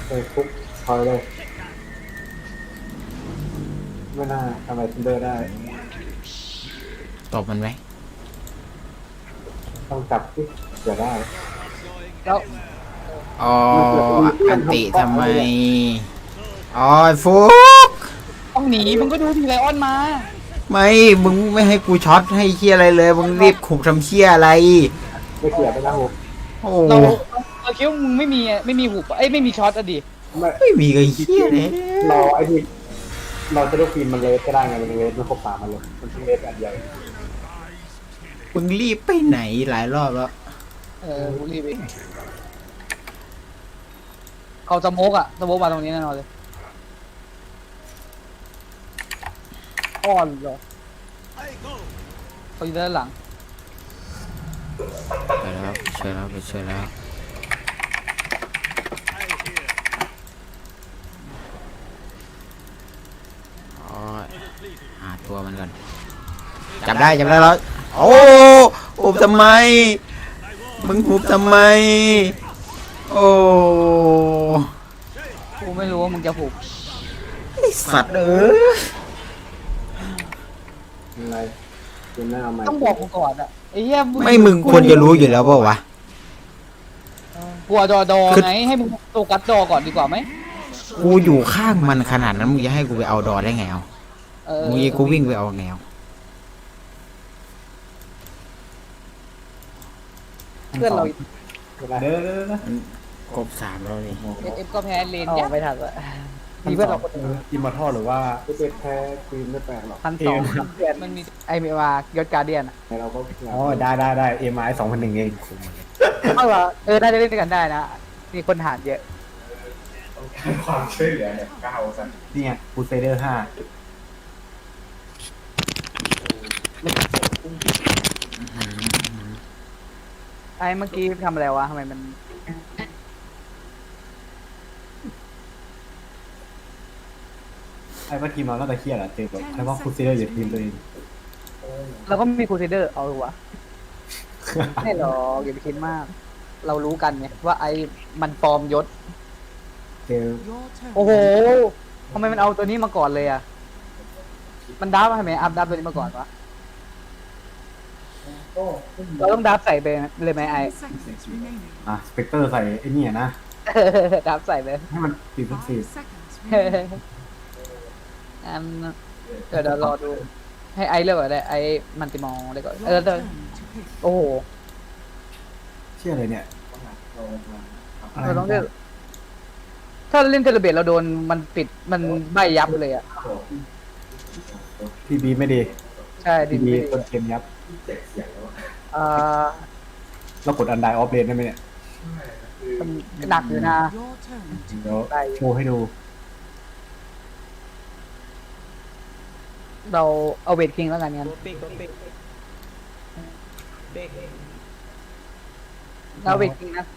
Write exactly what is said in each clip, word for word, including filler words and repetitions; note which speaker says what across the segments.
Speaker 1: เออคุกพอเลยไม่น่าทำอะไรทินเดอร์ได้
Speaker 2: ตบมันไหม
Speaker 1: ต้องจับที่เดี๋ยวได้
Speaker 3: แล้ว
Speaker 2: อ๋ออันติทำไมอ๋อฟุก
Speaker 3: ต้องหนีมึงก็ดูทีไลออนมา
Speaker 2: ไม่มึงไม่ให้กูช็อตให้เชี่ยอะไรเลยมึงรีบขุบทำเชี่ยอะไร
Speaker 1: ไม่เกี่ยวไปนะผม
Speaker 2: โอ้
Speaker 3: เราเราคิดว่ามึงไม่มีไม่มีหุบเอ้ยไม่มีช็อตอะดิ
Speaker 1: ไม่
Speaker 2: ไม่มีไอ้เชี่ยเลย
Speaker 1: รอไอ้ที่เราจะได้ฟิล์มมันเลสก็ได้ไงมันเลสมันครบสามมันเลยมันเลสแบบใหญ่
Speaker 2: มึงรีบไปไหนหลายรอบแล้ว
Speaker 3: เออกูรีบไปเขาจะโมกอะจะโมกมาตรงนี้แน่นอนเลยอ่อนเหรอเขาอยู่ด้านหลัง
Speaker 2: ไปแล้วไปช่วยแล้วไปช่วยแล้วอ๋อหาตัวมันก่อนจับได้จับได้แล้วโอ้หุบทำไมมึงหุบทำไมโอ้
Speaker 3: กูไม่รู้ว่ามึงจะหุบ
Speaker 2: สัตว์เออ
Speaker 1: อะไรเกมหน้าเอาใหม่
Speaker 3: ต้องบอกกูก่อนอะไอ้เหี้ย
Speaker 2: ไม่มึงควรจะรู้อยู่แล้วเปล่าวะ
Speaker 3: กลัวดอดอไงให้มึงโฟกัสดอก่อนดีกว่าไหม
Speaker 2: กูอยู่ข้างมันขนาดนั้นมึงจะให้กูไปเอาดอได้ไงเอามึงกูวิ่งไปเอาแนว
Speaker 3: เพื่อนเรา
Speaker 1: เด้อเด้อนะ
Speaker 2: ครบสามแล้วนี่
Speaker 3: เอฟก็แพ้เลนเนี่ยไม่ทันละมีเพื่อนเราคนนึง
Speaker 1: อิมมอร์ทัลหรือว่าไม่เป็นแพ้ฟิล์มไม่แปลกหรอก
Speaker 3: พันสองเพื่อนมันมีไอเมวายศการเดียน
Speaker 1: เราก็
Speaker 4: อ๋อได้ได้ได้เอ็มไอสองพันหนึ่งเอง
Speaker 3: เอาเหรอเออน่าจะเล่นด้วยกันได้นะมีคนหารเยอะ
Speaker 1: ความช่วยเหลือเนี่ยก้าวสัน
Speaker 4: เนี่ยคูเซเดอร์ห้า
Speaker 3: ไอ้เมื่อกี้ทำอะไรวะทำไมมัน
Speaker 4: ไอ้ว่าทีมเราก็จะเครียดอะเจอแบบไอ้ว่าคูเซเดอร์อยู่ทีมตัวเอง
Speaker 3: เราก็มีครูเซเดอร์เอาวะไม่หรอกอย่าไปคิดมาก เรารู้กันไงว่าไอ้มันปลอมยศ
Speaker 4: เจอ
Speaker 3: โอ้โหทำไมมันเอาตัวนี้มาก่อนเลยอ่ะมันดับทำไมอัพดับตัวนี้มาก่อนวะเราต้องดับใส่ไปเลยไหมไอ้
Speaker 4: อ่ะสเปกเตอร์ใส่ไอ้นี่นะ
Speaker 3: ดับใส่ไป
Speaker 4: ให้มันติดทุกสี
Speaker 3: อันเดี๋ยวเรารอดูให้ไอเลือกก่อนได้ไอมันติมองเลยก่อนเออโอ้โห
Speaker 4: เชื่อเลยเนี่ย
Speaker 3: เราต้องเลือกถ้าเล่นเทเลเบตเราโดนมันปิดมันใบยับเลยอ่ะ
Speaker 4: ทีบีไม่ดี
Speaker 3: ใช่
Speaker 4: ทีบีต้นเกมยับ
Speaker 3: อ่า
Speaker 4: เรากดอันไดออฟเลนได้ไหมเนี่ย
Speaker 3: หนักอยู่นะ
Speaker 4: เดี๋ยวโชว์ให้ดู
Speaker 3: เราเอาเวทคิงแล้วกันงั้นเราเวทคิงนะ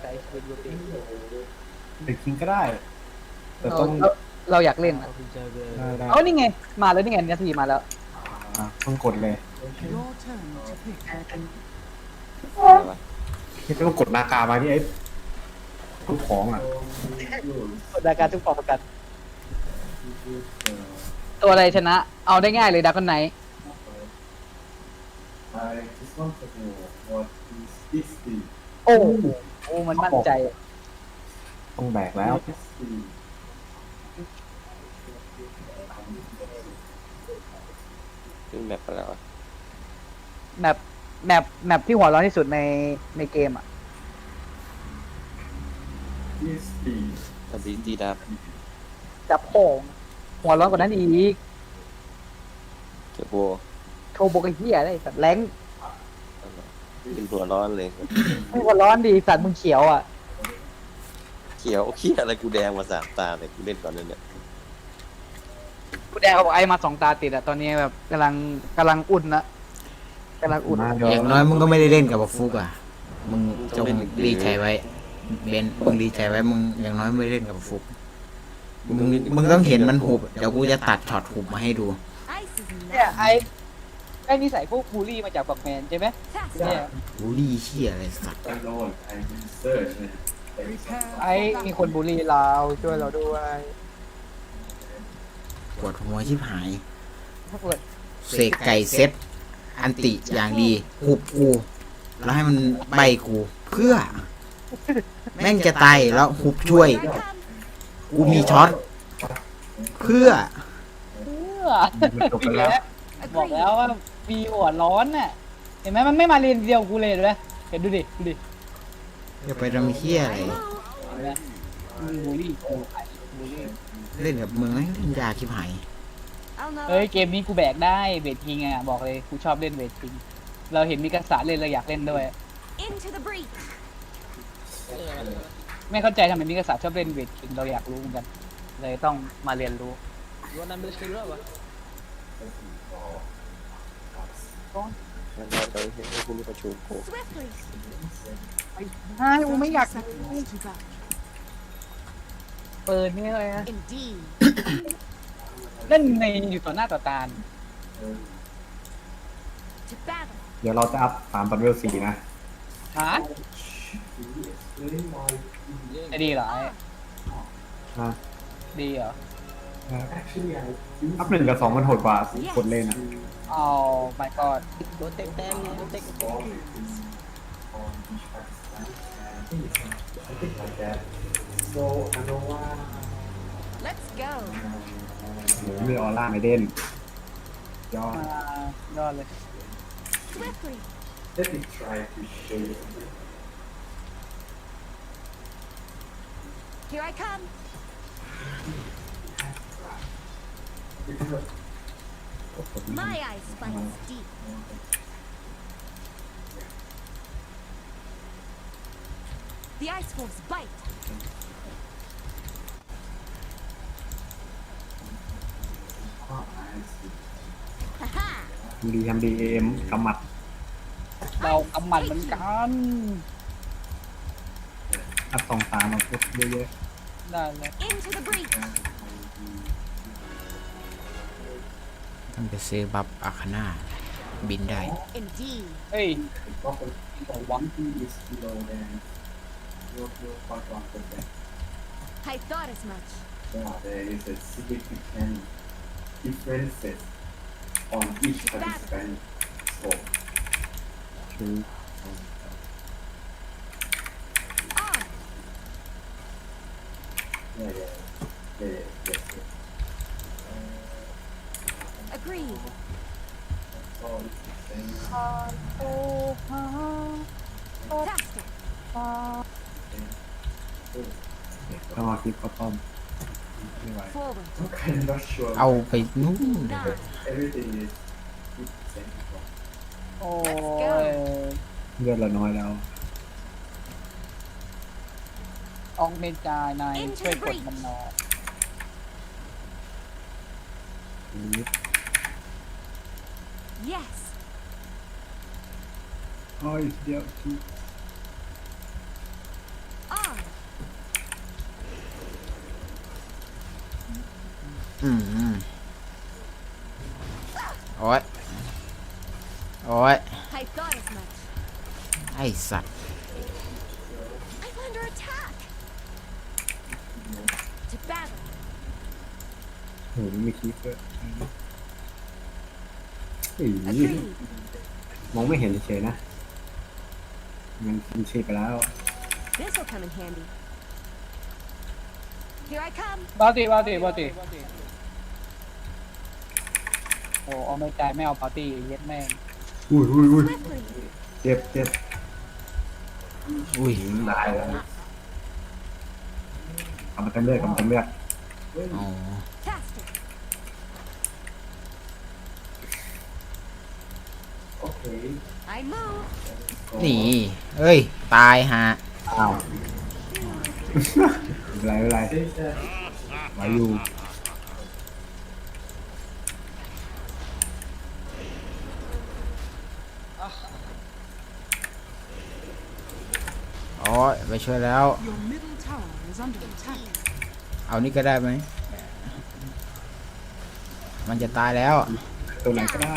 Speaker 4: เป็นคิงก็ได้แต่
Speaker 3: ต้องเราอยากเล่นเอานี่ไงมาแล้วนี่ไงนาทีมาแล้ว
Speaker 4: อ่ะเพิ่งกดเลยที่ต้องกดนากามาที่ไอ้ทุกของอ่ะ
Speaker 3: กดดาการทุกฟองประกันตัวอะไรชนะเอาได้ง่ายเลยดาร์กไนท์โอ้โหมันมั่นใจ
Speaker 4: ต้องแบกแล้ว
Speaker 5: ขึ้นแมปไปแล้ว
Speaker 3: แมปแมปแมปที่หัวร้อนที่สุดในในเกมอ่ะ
Speaker 5: ทำดีดีดับ
Speaker 3: จับโป่งหัวร้อนกว่านั้นอีก
Speaker 5: เก็บโบ
Speaker 3: โทโบกเฮียได้สัตว์แรง
Speaker 5: เป็นหัวร้อนเลย
Speaker 3: หัวร้อนดีสัตว์มึงเขียวอ่ะ
Speaker 5: เขียวเขียวอะไรกูแดงมาสามตาเลยกูเล่นก่อนเลยเนี่ย
Speaker 3: กูแดงเขาบอกไอ้มาสองตาติดอ่ะตอนนี้แบบกำลังกำลังอุ่นนะกำลังอุ่น
Speaker 2: อย่างน้อยมึงก็ไม่ได้เล่นกับฟุกอ่ะมึงจงรีใจไว้เบนมึงรีใจไว้มึงอย่างน้อยไม่เล่นกับฟุกมึงมึงต้องเห็นมันหุบเดี๋ยวกูจะตัดช็อตหุบมาให้ดู
Speaker 3: เนี่ยไอ้ไอ้นิสัยพวกบูลลี่มาจากบักแมนใช่ไหมเนี่ย
Speaker 2: บูลลี่เชี่ยอะไรสัตว์
Speaker 3: ไอ้มีคนบูลลี่เราช่วยเราด้วย
Speaker 2: ปวดหัวชิบหาย
Speaker 3: ถ้าเกิด
Speaker 2: เสกไก่เซ็ตอันติอย่างดีหุบกูแล้วให้มันใบกูเพื่อ แม่งจะตายแล้วหุบช่วย กูมีช็อตเพื่อ
Speaker 3: เพื่อ
Speaker 4: มันจบไปแล้ว
Speaker 3: บอกแล้วว่ามีหัวร้อนน่ะเห็นไหมมันไม่มาเรียนเดียวกูเลยเห็นไหมเห็นดูดิดูดิ
Speaker 2: จะไปทำเฮี้ยอะไร
Speaker 3: เห็นไหมมึงบูลลี่กูไอ้บูลลี่
Speaker 2: เล่นกับมึงแม่งเล่นยากชิบหาย
Speaker 3: เฮ้ยเกมนี้กูแบกได้เวทคิงอ่ะบอกเลยกูชอบเล่นเวทคิงเราเห็นมิกาสาเล่นเราอยากเล่นด้วย
Speaker 6: Into the breach.
Speaker 3: ไม่เข้าใจทำไมมิกาสาชอบเล่นเวทคิงเราอยากรู้เหมือนกัน เลยต้องมาเรียนรู้
Speaker 5: งั้นเราไปให้คุณประชุมกู
Speaker 6: Swiftly.
Speaker 3: ใช่กูไม่อยาก
Speaker 6: Seconds to go.
Speaker 3: เปิดนี่เลยนะ
Speaker 6: Indeed.
Speaker 3: เล่นในอยู่ต่อหน้าต่อตา
Speaker 6: To battle.
Speaker 4: เดี๋ยวเราจะอัพสามปันเวลสี่นะ
Speaker 3: ฮะจะดีเหรอไอ้
Speaker 4: นะ
Speaker 3: ดีเหรอ
Speaker 4: อัพหนึ่งกับสองมันโหดกว่าคนเล่นอ่ะ
Speaker 3: เอาไม่ก็
Speaker 6: Let's go.
Speaker 4: หรือมีออร่าไม่เด่นยอด
Speaker 3: มายอดเลย
Speaker 6: Swiftly. Here I come. My eyes spikes deep. The ice wolves bite. Haha.
Speaker 4: ทำดีทำดีเอ็มกำหมัด
Speaker 3: เรากำหมัดเหมือนกัน
Speaker 4: อัพสองสามมาพุทเยอะ
Speaker 3: ได้เลย
Speaker 6: Into the breach.
Speaker 2: ต้องไปซื้อบัฟอาคาน่าบินได้
Speaker 6: Indeed.
Speaker 3: เฮ้ยหวัง
Speaker 6: I thought as much.
Speaker 7: There is a significant differences on each participant score.
Speaker 4: ๆคือ
Speaker 6: On.
Speaker 7: Yeah, yeah, yeah, yeah, yes, yes.
Speaker 6: Agreed.
Speaker 7: So it's the same.
Speaker 3: โอ้ฮะ
Speaker 6: Faster.
Speaker 4: ต้องมาคลิปข้าวต้มไม่ไหว
Speaker 6: Forward.
Speaker 7: I'm kind of not sure.
Speaker 2: เอาไปนู่น
Speaker 6: Nine.
Speaker 7: Everything is fifty percent.
Speaker 3: โอ้ย
Speaker 4: เลือดเราน้อยแล้ว
Speaker 3: ออกเมจานายช่วยกดมันหนอย
Speaker 4: นิด
Speaker 6: Yes.
Speaker 4: โอ้ยเดี๋ยวที่
Speaker 6: On.
Speaker 2: อืมอืมโอ้ยโอ้ย
Speaker 6: I thought as much.
Speaker 2: ไอสัตว์
Speaker 6: I'm under attack. To battle.
Speaker 4: โหมีคลิปด้วยเฮ้ย
Speaker 6: Agreed.
Speaker 4: มองไม่เห็นเฉยๆนะ มันกินชีพไปแล้ว
Speaker 6: This will come in handy. Here I come.
Speaker 3: บาติบาติบาติโอ้เอาไม่ใจไม่เอาปาร์ตี้เย็ดแม่ง
Speaker 4: อุ้ยอุ้ยอุ้ย
Speaker 6: Swiftly.
Speaker 4: เจ็บเจ็บ
Speaker 2: อุ้ย
Speaker 4: ตายแล้วกำมันเต็มเลือดกำมันเต็มเลือด
Speaker 2: อ๋อ
Speaker 6: Faster.
Speaker 7: Okay.
Speaker 6: I move.
Speaker 2: นี่เอ้ย ตายฮะ
Speaker 4: อ้าวไม่เป็นไรไม่เป็นไรไหวอยู่
Speaker 2: อ๋อไปช่วยแล้ว
Speaker 8: Your middle tower is under attack.
Speaker 2: เอานี่ก็ได้ไหม มันจะตายแล้ว
Speaker 4: ตัวไหนก็ได้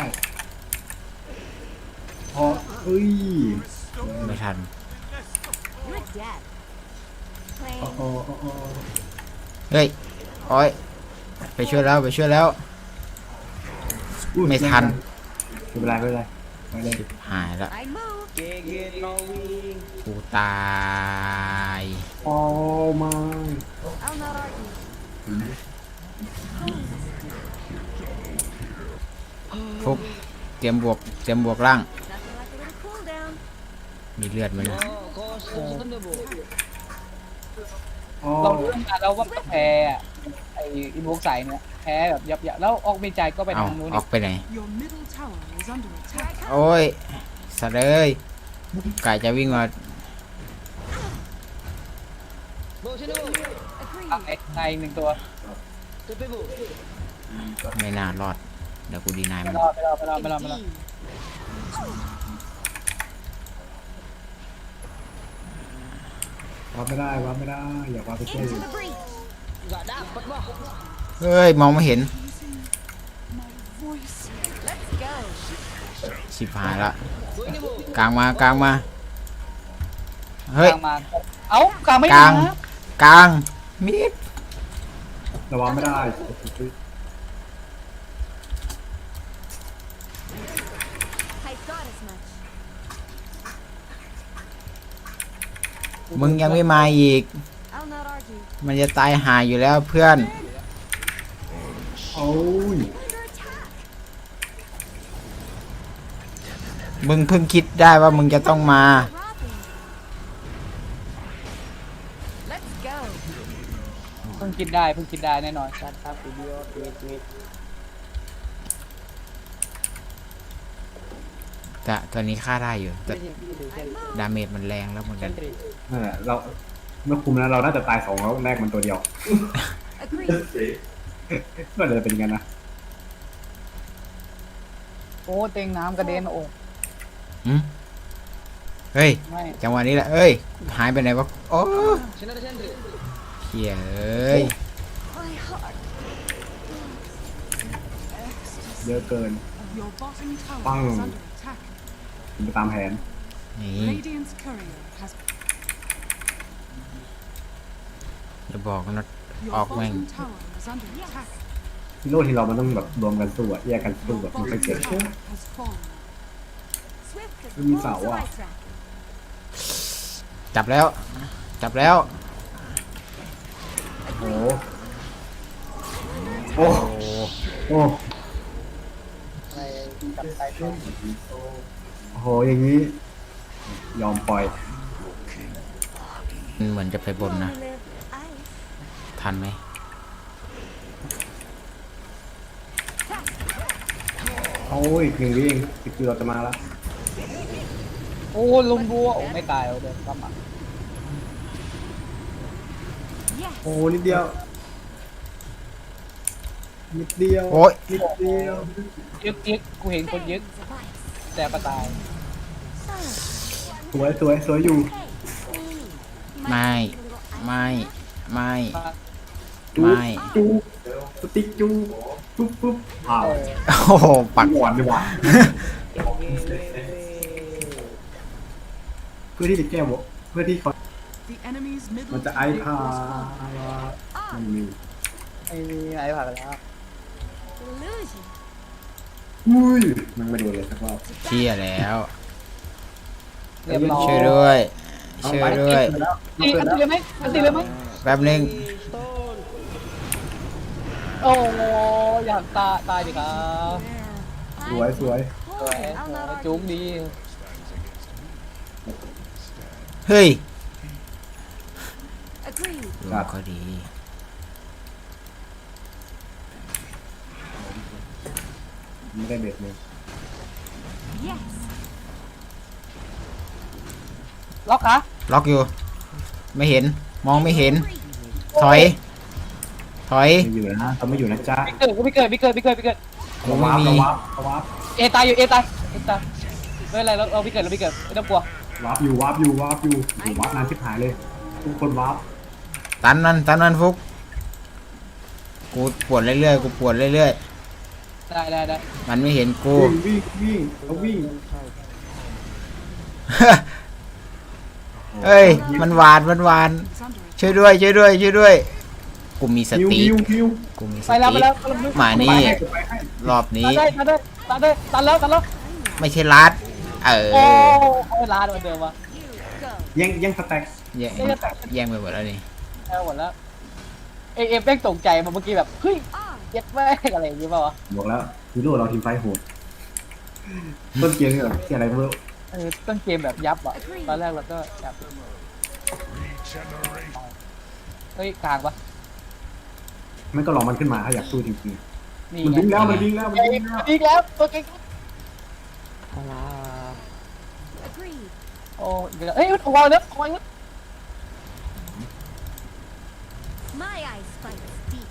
Speaker 4: พอเอ้ย
Speaker 2: ไม่ทัน
Speaker 6: You're dead. playing.
Speaker 4: โอ้โอ้โอ้โอ้
Speaker 2: เฮ้ยโอ้ยไปช่วยแล้วไปช่วยแล้ว
Speaker 4: อุ๊ย
Speaker 2: ไม่ทัน
Speaker 4: ไม่เป็นไรไม่เป็นไรไปเลย
Speaker 2: หายละ
Speaker 6: I move.
Speaker 2: กูตาย
Speaker 4: โอ้ไม่
Speaker 6: I'll not argue.
Speaker 2: ฟุกเตรียมบวกเตรียมบวกล่าง
Speaker 6: Nothing like a little cool down.
Speaker 2: มีเลือดไหมนะ
Speaker 4: โอ้
Speaker 3: เรารู้ตั้งนานแล้วว่าแพ้อะไอ้อินโวกใส่เนี่ยแพ้แบบยับยับแล้วออกเมใจก็ไป
Speaker 2: เอา
Speaker 3: ทางนู้น
Speaker 2: อ
Speaker 3: อี
Speaker 2: อก กไปไหน
Speaker 8: Your middle tower is under attack.
Speaker 2: โอ้ยสัตว์เอ้ยกายจะวิ่งมา
Speaker 6: Agreed.
Speaker 3: ในในหนึ่งตัว
Speaker 2: ไม่น่ารอด เดี๋ยวกูดีนาย
Speaker 3: ไม่
Speaker 2: มัน
Speaker 3: รอดไม่รอดไม่รอดไม่รอดไม่รอด
Speaker 4: วับไม่ได้วับไม่ได้อย่าวับไปเช่
Speaker 6: Into the breach.
Speaker 2: เฮ้ย มองไม่เห็น
Speaker 8: My voice.
Speaker 6: Let's go.
Speaker 2: ชิบหายละ กลางมากลางมา เฮ้ย
Speaker 3: กลางมาเอ้ากลางไม่
Speaker 2: กลาม
Speaker 3: าง
Speaker 2: กลางมิด
Speaker 4: ระวังไม่ได้
Speaker 6: I thought as much.
Speaker 2: มึงยังไม่มาอีก
Speaker 6: I'll not argue.
Speaker 2: มันจะตายหายอยู่แล้วเพื่อน
Speaker 4: โอ้ย
Speaker 6: Under attack.
Speaker 2: มึงเพิ่งคิดได้ว่ามึงจะต้องมา
Speaker 6: Robbing. Let's go.
Speaker 3: เพิ่งคิดได้เพิ่งคิดได้แน่นอนชัดครับวิดีโอเวทเวท
Speaker 2: แต่ตัวนี้ฆ่าได้อยู่ แต่ดาเมจมันแรงแล้วเหมือนกัน
Speaker 4: นั่นแหละเราเมื่อคุมแล้วเราน่าจะตายสองแล้วแรกมันตัวเดียว
Speaker 6: Agreed.
Speaker 4: ก็เลยเป็นอย่างนั้นนะ
Speaker 3: โอ้เต็งน้ำกระเด็นโอ้
Speaker 2: หืมเฮ้ย
Speaker 3: ไม่
Speaker 2: จังหวะนี้แหละ เอ้ย หายไปไหนวะ โอ้เฮียเอ้ย
Speaker 6: My heart.
Speaker 4: เยอะเกิน
Speaker 8: Your bottom tower
Speaker 4: Bang.
Speaker 8: is under attack.
Speaker 4: ผมไปตามแผน
Speaker 2: นี่
Speaker 8: Radiant's courier has.
Speaker 2: อย่าบอกนะ
Speaker 8: Your
Speaker 2: Off wing.
Speaker 8: bottom tower is under attack.
Speaker 4: ฮีโร่ที่เรามันต้องแบบรวมกันสู้อะแยกกันสู้
Speaker 8: Your
Speaker 4: แบบมันไม่
Speaker 8: bottom
Speaker 4: เกิด
Speaker 8: tower has fallen.
Speaker 6: Swift as
Speaker 4: Give me
Speaker 6: wolves
Speaker 4: that
Speaker 6: of
Speaker 4: one.
Speaker 6: ice rack.
Speaker 2: จับแล้ว จับแล้ว
Speaker 4: โอ้โอ้
Speaker 2: โอ้
Speaker 4: โอ้
Speaker 3: อะไรจับใจตัว
Speaker 4: โอ้โหอย่างนี้ ยอมปล่อย
Speaker 2: มันเหมือนจะไปบนนะ
Speaker 6: Only live ice.
Speaker 2: ทันไหม
Speaker 4: โอ้ยหนึ่งวิเองสิบกิโลจะมาแล้ว
Speaker 3: โอ้ลุมบัวโอ้ไม่ตายเอาเดี๋ยวกลับมา
Speaker 6: Yes.
Speaker 4: โอ้นิดเดียวนิดเดียว
Speaker 2: โอ้ย
Speaker 4: นิดเดียว
Speaker 3: ยึกยึกกูเห็นคนยึก
Speaker 6: Fans of ice.
Speaker 3: แต่ก็ตาย
Speaker 4: สวยสวยสวยอยู่
Speaker 2: ไม่ ไม่ ไม่
Speaker 4: จู
Speaker 2: ไม่
Speaker 4: จูสติ๊กจูปุ๊บปุ๊บอ้าว
Speaker 2: โอ้โห ปัก
Speaker 4: หวานดีกว่าเพื่อที่จะแก้วเพื่อที่เขา
Speaker 8: The enemy's
Speaker 4: มัน
Speaker 8: middle
Speaker 4: จะไอ
Speaker 8: tower
Speaker 4: พา
Speaker 6: Ah,
Speaker 4: ไม่มี
Speaker 3: ไม่มีไหนผ่านไปแล้ว
Speaker 6: illusion.
Speaker 4: อุ้ยมันไม่โดนเลยสักรอบ
Speaker 2: เชี่ยแล้ว
Speaker 3: เรียบร้อย
Speaker 2: ช่วยด้วย ช่วยด้วย
Speaker 3: ตีกันตีเลยไหมกันตีเลยไหม
Speaker 2: แป๊บนึง
Speaker 3: โอ้อยากตายตายดิครับ
Speaker 4: สวยสวย
Speaker 3: สวย
Speaker 6: I'll not argue.
Speaker 3: จุ๊บดี
Speaker 2: เฮ้ย
Speaker 6: Agreed.
Speaker 2: ลูกก็ดี
Speaker 4: ไม่ได้เบ็ดเลย
Speaker 6: Yes.
Speaker 3: ล็อกคะ
Speaker 2: ล็อกอยู่ ไม่เห็น มองไม่เห็น ถอย ถอย
Speaker 4: ไม่อยู่นะเขาไม่อยู่นะจ๊ะ
Speaker 3: พี่เกิดพี่เกิดพี่เกิดพี่เกิดพี่เกิด
Speaker 2: กูไม่มี
Speaker 4: ระวับระวับ
Speaker 3: เอตายอยู่เอตายเอตายไม่เป็นไรเราเราพี่เกิดเราพี่เกิดไม่ต้องกลัว
Speaker 4: วาร์ปอยู่วาร์ปอยู่วาร์ปอยู่อยู่วาร์ปนานชิบหายเลยทุกคนวาร์ป
Speaker 2: ตันมันตันมันฟุก กูปวดเรื่อยๆ กูปวดเรื่อย
Speaker 3: ได้ได้ได้
Speaker 2: ๆ มันไม่เห็นกู
Speaker 4: วิ่งวิ่งวิ่งเขาวิ่ง
Speaker 2: เฮ้ย มันหวาน มันหวาน
Speaker 8: is under attack.
Speaker 2: ช่วยด้วยช่วยด้วยช่วยด้วยกูมีส
Speaker 4: ฮิว
Speaker 2: ติ
Speaker 4: ฮิวฮิว
Speaker 2: กูมีส
Speaker 3: ไปแล้วไป
Speaker 2: ติ
Speaker 3: แล้วไปแล้ว
Speaker 2: มานี่
Speaker 4: ไปให้
Speaker 2: รอบนี้
Speaker 3: ตันได้ตันได้ตันได้ตันแล้วตันแล้ว
Speaker 2: ไม่ใช่รัดเออ
Speaker 3: โอ้โอ้ยลาดเหมือนเดิมวะ
Speaker 6: Go.
Speaker 4: แย่งแย่งสแต็ก
Speaker 2: แย่งแย่งไปหมดแล้วนี่
Speaker 3: เอาหมดแล้วเอเอฟแม่งตกใจมาเมื่อกี้แบบเฮ้ย
Speaker 6: On.
Speaker 3: เย็ดแม่งอะไรอย่างงี้ป่าวะ
Speaker 4: บอกแล้วฮีโร่เราทีมไฟโหดต้นเกมเนี่ยแบบที่อะไรไม่รู้
Speaker 3: เออต้นเกมแบบยับอ่ะตอนแรกเราก็ยับเฮ้ยกลางปะ
Speaker 4: ไม่ก็รอมันขึ้นมาถ้าอยากสู้จริง
Speaker 3: นี่
Speaker 4: ๆมัน
Speaker 3: ไง
Speaker 4: ดิ้งแล้วมันดิ้งแล้วมัน
Speaker 3: ไอ้
Speaker 4: ดิ้งแล้ว
Speaker 3: อีกแล้วตัวเก่ง
Speaker 6: Agreed.
Speaker 3: โอ้อีกแล้วเฮ้ยเอาวางเนื้อเอาวางเนื้อ
Speaker 6: My eyes find deep.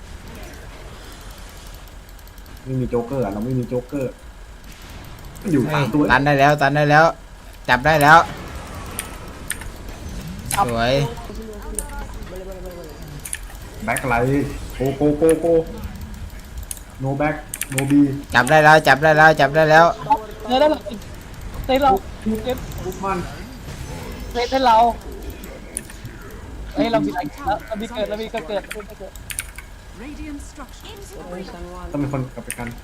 Speaker 4: ไม่มีโจ๊กเกอร์อะเราไม่มีโจ๊กเกอร์อยู่
Speaker 2: เฮ้
Speaker 4: สาย มตัว
Speaker 2: ตันได้แล้วตันได้แล้ว จับได้แล้วสวย
Speaker 4: แบ็คไลท์โกโกโกโกโนแบ็คโนบี
Speaker 2: จับได้แล้วจับได้แล้วจับได้แล้ว
Speaker 3: เนื้อได้หรอเต้นเราเต้น
Speaker 4: ทุกมัน
Speaker 3: เต้นเราเฮ้ยเรามีอะไรแล้วเรามีเกิดเรามีเกิดเกิดเกิด
Speaker 8: Radiant structures.
Speaker 6: Into the ring.
Speaker 4: ต้องเป็นคนกลับไปกัน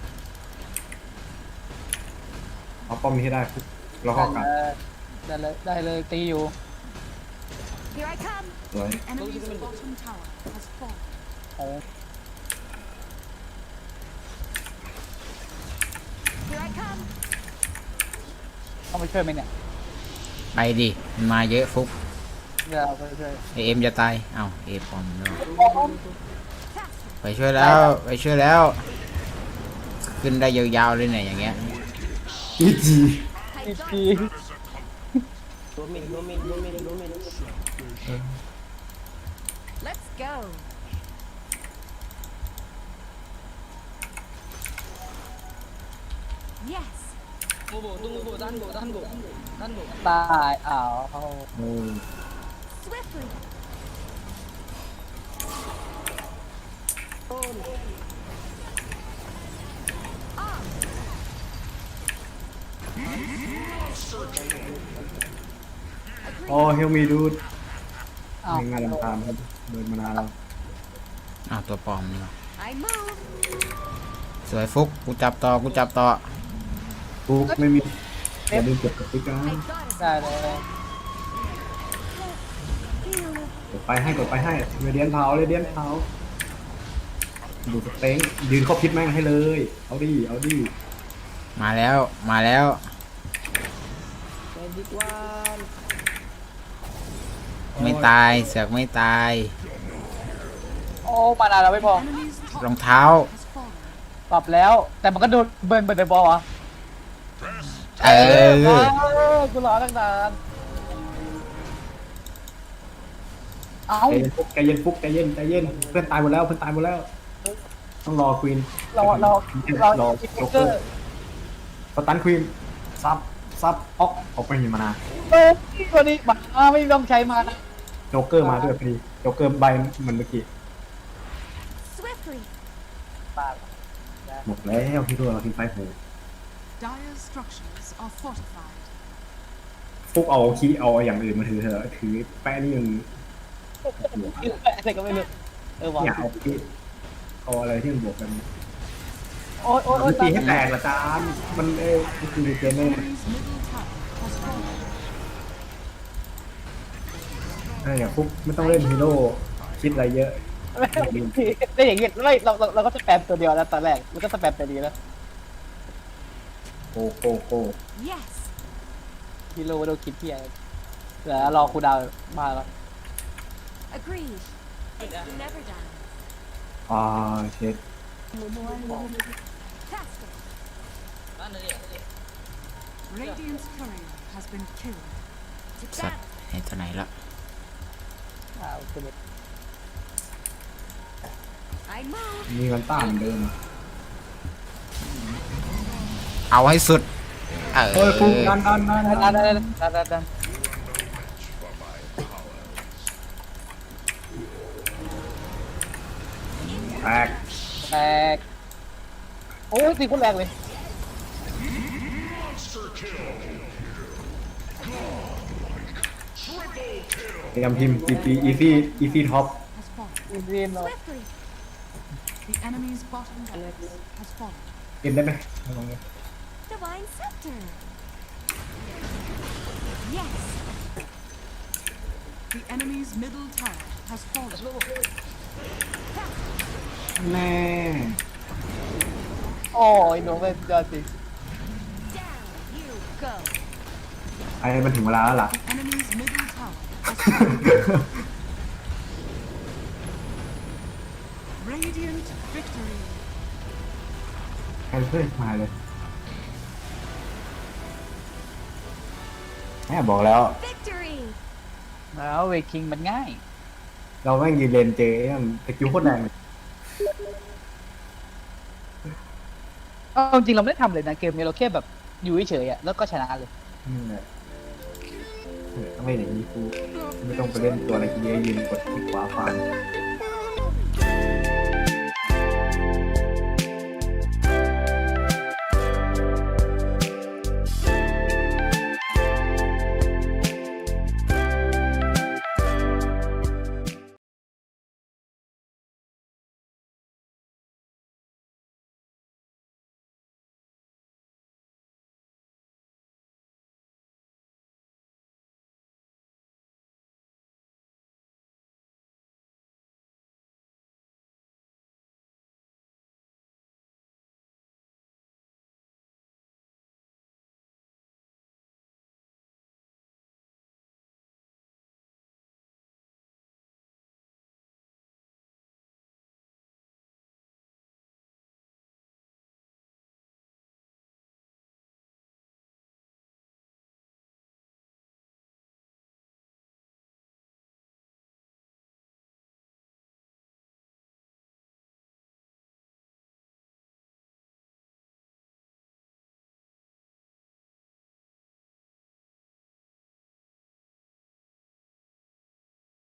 Speaker 4: เอาป้อมนี้ให้ได้ปุ๊บแล้วก็กลับ
Speaker 3: ได้เลยได้เลยตีอยู่
Speaker 6: Here I come.
Speaker 4: สวย
Speaker 8: Enemy's bottom tower has fallen.
Speaker 3: โอ้
Speaker 6: Here I come.
Speaker 3: ต้องไปช่วยไหมเนี่ย
Speaker 2: ไปดิมันมาเยอะฟุก
Speaker 3: เดี๋ยวเราไปช่วย
Speaker 2: เอเอ็มจะตายเอ้าเอปอมแล้ว
Speaker 6: Faster.
Speaker 2: ไปช่วยแล้วไปช่วยแล้ว ขึ้นได้ยาวๆเลยเนี่ยอย่างเงี้ย
Speaker 4: อีจี
Speaker 6: I
Speaker 3: อี
Speaker 6: got
Speaker 3: พี
Speaker 6: it. Let's go. Yes.
Speaker 3: ตายอ้าวเขา
Speaker 4: โอ้
Speaker 6: Swiftly. On.
Speaker 4: โอ้เฮลมีดูด
Speaker 3: อ้าว
Speaker 4: ไม่งานลำตามครับเดินมานานแล้ว
Speaker 2: อ้าวตัวปลอมนี่วะ
Speaker 6: I move.
Speaker 2: สวยฟุกกูจับต่อกูจับต่อ
Speaker 4: ปุ๊บไม่มีอย่าลืมเก็บกับติ๊กนะ
Speaker 6: I got it.
Speaker 3: ได้เลย
Speaker 4: กดไปให้กดไปให้เรเดียนเผาเรเดียนเผาดูสเต็งยืนเข้าพิษแม่งให้เลย เอาดิเอาดิ
Speaker 2: มาแล้วมาแล้ว ไม่ตายเสือกไม่ตาย
Speaker 3: โอ้มานานเราไม่พอ
Speaker 8: Enemy's top
Speaker 2: รองเท้า
Speaker 8: has fallen.
Speaker 3: ปรับแล้ว แต่มันก็โดนเบิร์นเบิร์นในบอลวะ
Speaker 2: เออ
Speaker 3: เออกูรอตั้งนานเอ้า
Speaker 4: ใจเย็นฟุกใจเย็นฟุกใจเย็นใจเย็นเพื่อนตายหมดแล้วเพื่อนตายหมดแล้ว ต้องรอควีน
Speaker 3: เราเราเรา
Speaker 4: รอ
Speaker 3: คิป
Speaker 4: โจ๊ก
Speaker 3: เก
Speaker 4: เก
Speaker 3: อ
Speaker 4: อ
Speaker 3: ร์
Speaker 4: ร์สตันควีนซับซับออกออกไปหินมานา
Speaker 3: เออตัวนี้มาไม่ต้องใช้มานะ
Speaker 4: โจ๊กเกอร์มาด้วยพอดีโจ๊กเกอร์ใบเหมือนเมื่อกี้
Speaker 6: Swiftly.
Speaker 3: ปา
Speaker 4: หมดแล้วที่ตัวเราทีมไฟโห
Speaker 8: Dire structures are fortified.
Speaker 4: ฟุกเอาคีย์เอาอย่างอื่นมาถือเถอะถือแป้นี่ยัง
Speaker 3: อะไรก็ไม่รู้เออวะ
Speaker 4: อยากเอาคีย์เอาอะไรที่มันบวกกัน
Speaker 3: โอ้ยโอ้ยโอ้
Speaker 4: มั
Speaker 3: ย
Speaker 4: นตีให้แตกละจานมันเออมันคือเกมเมอร์
Speaker 8: Enemy's middle tower has fallen.
Speaker 4: อะไรอย่างฟุกไม่ต้องเล่นฮีโร่คิดอะไรเยอะ
Speaker 3: ได้อย่างเงี้ยไม่เราเราเราก็จะแปมตัวเดียวแล้วตอนแรกมันก็สแปมตัวนี้แล้ว
Speaker 4: โกโกโก
Speaker 6: Yes.
Speaker 3: ฮีโร่โดนคิดที่อะไรเดี๋ยวรอคูดาวมาแล้ว
Speaker 6: Agreed. Never done.
Speaker 4: อ่าเช็ด
Speaker 6: Faster.
Speaker 8: Radiant's courier has been killed.
Speaker 2: สัตว์เห็นตัวไหนละ
Speaker 3: อ้าวคุณ
Speaker 6: I move.
Speaker 4: มีกันต้านเหมือนเดิม
Speaker 2: เอาให้สุดเอ
Speaker 4: เฮ้ยฟุกดั
Speaker 2: อน
Speaker 4: ดันดัน
Speaker 3: ดั
Speaker 4: ดั
Speaker 3: น
Speaker 4: น
Speaker 3: ดันดันดันดัน
Speaker 4: แตก
Speaker 3: แตกโอ้ยตีคนแรงเลย
Speaker 6: Triple kill.
Speaker 4: พยายามพิมพ์ easy easy easy top
Speaker 8: has fallen.
Speaker 3: อินเดียนเนาะ
Speaker 6: Swiftly.
Speaker 8: The enemy's bottom tower has fallen.
Speaker 4: เอ็นได้ไหมลองดู
Speaker 6: Divine scepter. Yes.
Speaker 8: The enemy's middle tower has fallen.
Speaker 4: แน่
Speaker 3: โอ้ยหนูเป็นยอดจริง
Speaker 6: Down you go.
Speaker 4: ไอ้มันถึงเวลาแล้วล่ะ
Speaker 8: The enemy's middle tower has fallen. Radiant victory.
Speaker 4: แคนเซิลมาเลยแม่บอกแล้ว
Speaker 6: Victory.
Speaker 3: แล้วเวคิงมันง่าย
Speaker 4: เราแม่งยืนเลนเจไอ้นั่นสกิลโคตรแรงเลย
Speaker 3: เอาจริงเราไม่ได้ทำเลยนะเกมนี้เราแค่แบบอยู่เฉยๆอ่ะแล้วก็ชนะเลย
Speaker 4: นี่แหละเออต้องเล่นอย่างนี้กูไม่ต้องไปเล่นตัวอะไรกูเยอะยืนกดคลิกขวาฟัน